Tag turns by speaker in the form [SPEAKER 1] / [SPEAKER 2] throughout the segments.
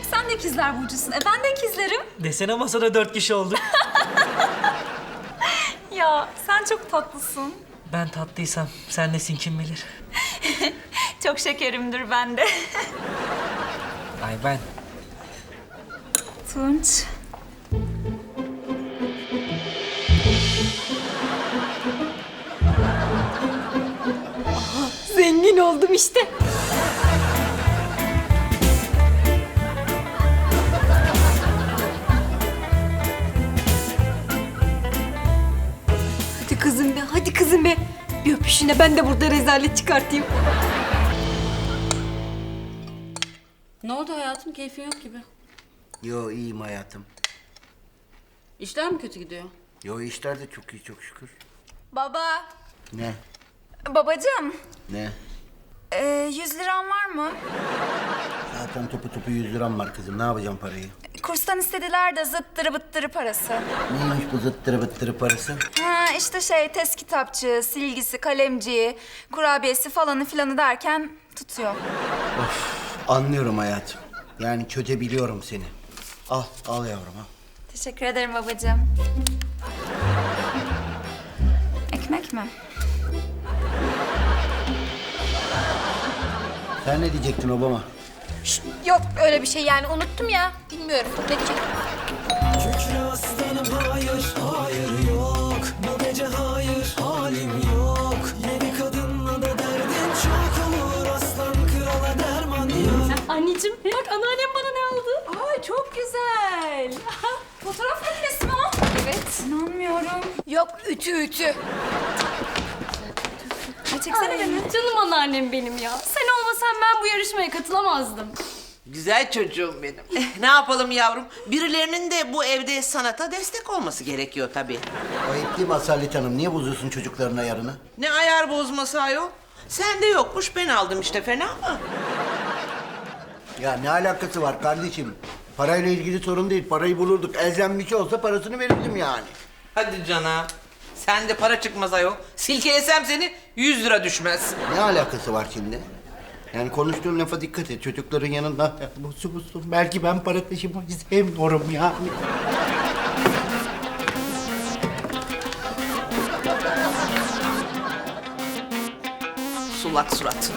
[SPEAKER 1] Sen de ikizler burcusun. Ben de ikizlerim.
[SPEAKER 2] Desene masada 4 kişi olduk.
[SPEAKER 1] Ya sen çok tatlısın.
[SPEAKER 2] Ben tatlıysam sen nesin kim bilir.
[SPEAKER 1] Çok şekerimdir ben de.
[SPEAKER 2] Ay ben.
[SPEAKER 1] Tunç.
[SPEAKER 3] Zengin oldum işte. Hadi kızım be, hadi kızım be. Bir öpüşüne ben de burada rezalet çıkartayım.
[SPEAKER 4] Ne oldu hayatım? Keyfin yok gibi.
[SPEAKER 5] Yo iyiyim hayatım.
[SPEAKER 4] İşler mi kötü gidiyor?
[SPEAKER 5] Yo işler de çok iyi çok şükür.
[SPEAKER 1] Baba.
[SPEAKER 5] Ne?
[SPEAKER 1] Babacığım.
[SPEAKER 5] Ne?
[SPEAKER 1] 100 liran var mı?
[SPEAKER 5] Zaten topu 100 liram var kızım. Ne yapacağım parayı?
[SPEAKER 1] Kurstan istediler de zıttırı bıttırı parası.
[SPEAKER 5] Neymiş bu zıttırı bıttırı parası?
[SPEAKER 1] Ha işte test kitapçığı, silgisi, kalemciği, kurabiyesi falanı filanı derken tutuyor.
[SPEAKER 5] Anlıyorum hayatım. Yani çözebiliyorum seni. Al yavrum al.
[SPEAKER 1] Teşekkür ederim babacığım. Ekmek mi?
[SPEAKER 5] Sen ne diyecektin Obama?
[SPEAKER 3] Yok öyle bir şey yani unuttum ya. Bilmiyorum ne diyecek.
[SPEAKER 6] Kükre aslanım hayır, hayır yok. Bu gece hayır, halim yok. Yeni kadınla da derdin çok olur. Aslan krala derman yok.
[SPEAKER 3] Anneciğim bak anneannem bana ne aldı?
[SPEAKER 1] Ay çok güzel. Fotoğraf makinesi mi o? Evet. İnanmıyorum.
[SPEAKER 3] Yok ütü.
[SPEAKER 1] Ay çeksene beni.
[SPEAKER 3] Canım anneannem benim ya. Sen olmasan ben bu yarışmaya katılamazdım.
[SPEAKER 7] Güzel çocuğum benim. Ne yapalım yavrum? Birilerinin de bu evde sanata destek olması gerekiyor tabii.
[SPEAKER 5] Ayıp değil mi Asalet Hanım? Niye bozuyorsun çocukların ayarını?
[SPEAKER 7] Ne ayar bozması ayol? Sende yokmuş, ben aldım işte, fena mı?
[SPEAKER 5] Ya ne alakası var kardeşim? Parayla ilgili sorun değil. Parayı bulurduk. Elzem bir şey olsa parasını verirdim yani.
[SPEAKER 7] Hadi cana. Sende para çıkmaz ayol. Silkelesem seni 100 lira düşmez.
[SPEAKER 5] Ne alakası var şimdi? Yani konuştuğun lafa dikkat et. Çocukların yanında busu. Belki ben para taşımayı sevmiyorum yani.
[SPEAKER 7] Sulak surat.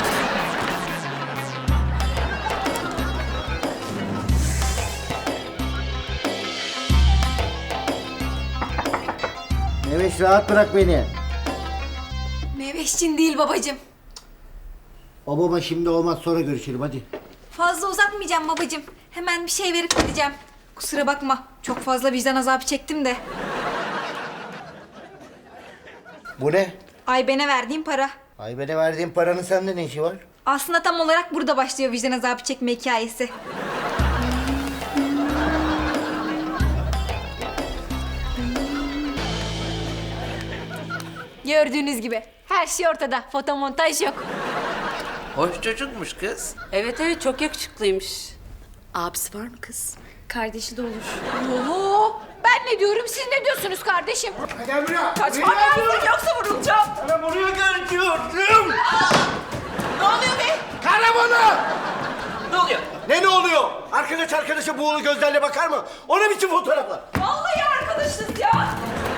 [SPEAKER 5] Evet rahat bırak beni.
[SPEAKER 3] Meveşçin değil babacığım.
[SPEAKER 5] Obama şimdi olmaz sonra görüşelim hadi.
[SPEAKER 3] Fazla uzatmayacağım babacığım. Hemen bir şey verip gideceğim. Kusura bakma. Çok fazla vicdan azabı çektim de.
[SPEAKER 5] Bu ne?
[SPEAKER 3] Ayben'e verdiğim para.
[SPEAKER 5] Ayben'e verdiğin paranın sende ne işi var?
[SPEAKER 3] Aslında tam olarak burada başlıyor vicdan azabı çekme hikayesi. Gördüğünüz gibi her şey ortada. Fotomontaj yok.
[SPEAKER 7] Hoş çocukmuş kız.
[SPEAKER 4] Evet çok yakışıklıymış. Abisi var mı kız?
[SPEAKER 3] Kardeşi de olur. Oo, ben ne diyorum siz ne diyorsunuz kardeşim?
[SPEAKER 5] Gel buraya.
[SPEAKER 1] Kaçmam lazım yoksa vurulacağım.
[SPEAKER 5] Sana buraya geliyordum.
[SPEAKER 7] Ne oluyor be?
[SPEAKER 5] Karavanı!
[SPEAKER 7] Ne oluyor?
[SPEAKER 5] Ne oluyor? Arkadaşa buğulu gözlerle bakar mı? O ne biçim fotoğraflar?
[SPEAKER 1] Vallahi arkadaşız ya.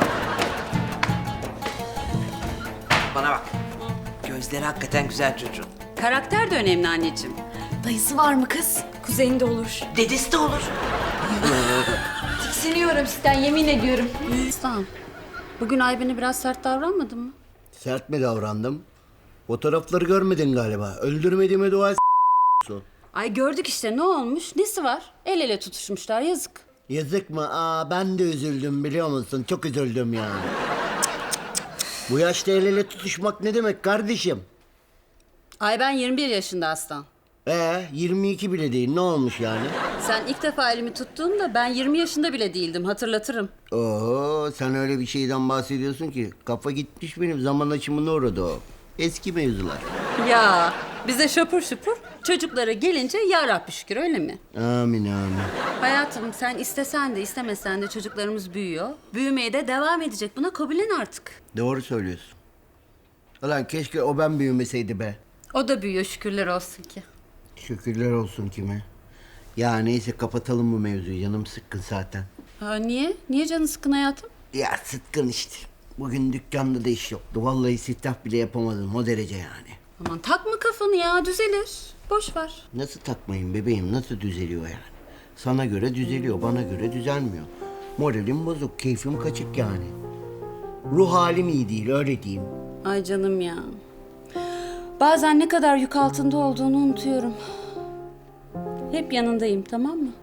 [SPEAKER 7] Bana bak. Gözleri hakikaten güzel çocuğun.
[SPEAKER 4] Karakter de önemli anneciğim.
[SPEAKER 3] Dayısı var mı kız? Kuzeyinde olur.
[SPEAKER 7] Dedesi de olur.
[SPEAKER 3] Tiksiniyorum sizden yemin ediyorum.
[SPEAKER 4] Aslan, bugün Ayben'e biraz sert davranmadın mı?
[SPEAKER 5] Sert mi davrandım? Fotoğrafları görmedin galiba. Öldürmediğime dua et.
[SPEAKER 4] Ay gördük işte ne olmuş? Nesi var? El ele tutuşmuşlar yazık.
[SPEAKER 5] Yazık mı? Ben de üzüldüm biliyor musun? Çok üzüldüm yani. Bu yaşta el ele tutuşmak ne demek kardeşim?
[SPEAKER 4] Ayben 21 yaşında Aslan.
[SPEAKER 5] 22 bile değil. Ne olmuş yani?
[SPEAKER 4] Sen ilk defa elimi tuttuğunda ben 20 yaşında bile değildim hatırlatırım.
[SPEAKER 5] Oo, sen öyle bir şeyden bahsediyorsun ki. Kafa gitmiş benim. Zaman aşımına uğradı o. Eski mevzular.
[SPEAKER 4] Ya bize şapur şupur çocuklara gelince ya Rabbi şükür öyle mi?
[SPEAKER 5] Amin amin.
[SPEAKER 4] Hayatım sen istesen de istemesen de çocuklarımız büyüyor. Büyümeye de devam edecek. Buna kabullen artık.
[SPEAKER 5] Doğru söylüyorsun. Ulan keşke o ben büyümeseydi be.
[SPEAKER 4] O da büyüyor şükürler olsun ki.
[SPEAKER 5] Şükürler olsun kime? Ya neyse kapatalım bu mevzuyu. Canım sıkkın zaten.
[SPEAKER 4] Ha, niye? Niye canın sıkın hayatım?
[SPEAKER 5] Ya sıkkın işte. Bugün dükkanda da iş yoktu. Vallahi siftah bile yapamadım. O derece yani.
[SPEAKER 4] Aman takma kafanı ya, düzelir. Boş ver.
[SPEAKER 5] Nasıl takmayın bebeğim? Nasıl düzeliyor yani? Sana göre düzeliyor, bana göre düzelmiyor. Moralim bozuk, keyfim kaçık yani. Ruh halim iyi değil, öyle diyeyim.
[SPEAKER 4] Ay canım ya. Bazen ne kadar yük altında olduğunu unutuyorum. Hep yanındayım, tamam mı?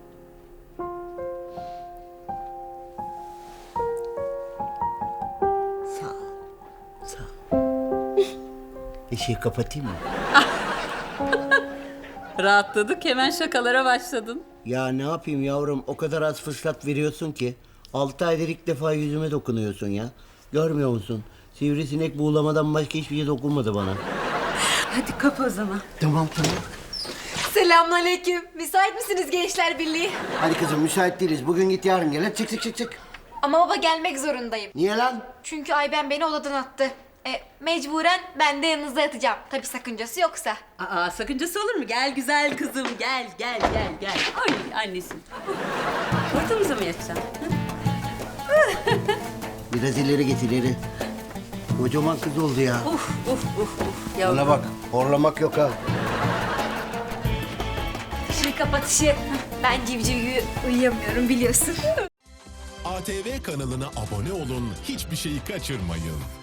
[SPEAKER 5] Sağ ol, sağ ol. Işığı kapatayım mı?
[SPEAKER 4] Rahatladık, hemen şakalara başladın.
[SPEAKER 5] Ya ne yapayım yavrum, o kadar az fırsat veriyorsun ki. 6 aydır ilk defa yüzüme dokunuyorsun ya. Görmüyor musun? Sivrisinek buğulamadan başka hiçbir şey dokunmadı bana.
[SPEAKER 4] Hadi kapa o zaman.
[SPEAKER 5] Tamam tamam.
[SPEAKER 3] Selamünaleyküm. Müsait misiniz Gençler Birliği?
[SPEAKER 5] Hadi kızım müsait değiliz. Bugün git yarın gel. Hadi çık çık çık çık.
[SPEAKER 3] Ama baba gelmek zorundayım.
[SPEAKER 5] Niye lan?
[SPEAKER 3] Çünkü Ayben beni odadan attı. Mecburen ben de yanınızda yatacağım. Tabii sakıncası yoksa.
[SPEAKER 4] Aa, sakıncası olur mu? Gel güzel kızım, gel. Ay annesi. Ortamıza mı yatacaksın?
[SPEAKER 5] Biraz ileri git ileri. Kocaman kız oldu ya.
[SPEAKER 4] Uf. Yavrum.
[SPEAKER 5] Bana bak, horlamak yok ha.
[SPEAKER 3] Işığı kapatışı. Ben civciv gibi uyuyamıyorum biliyorsun.
[SPEAKER 8] ATV kanalına abone olun, hiçbir şeyi kaçırmayın.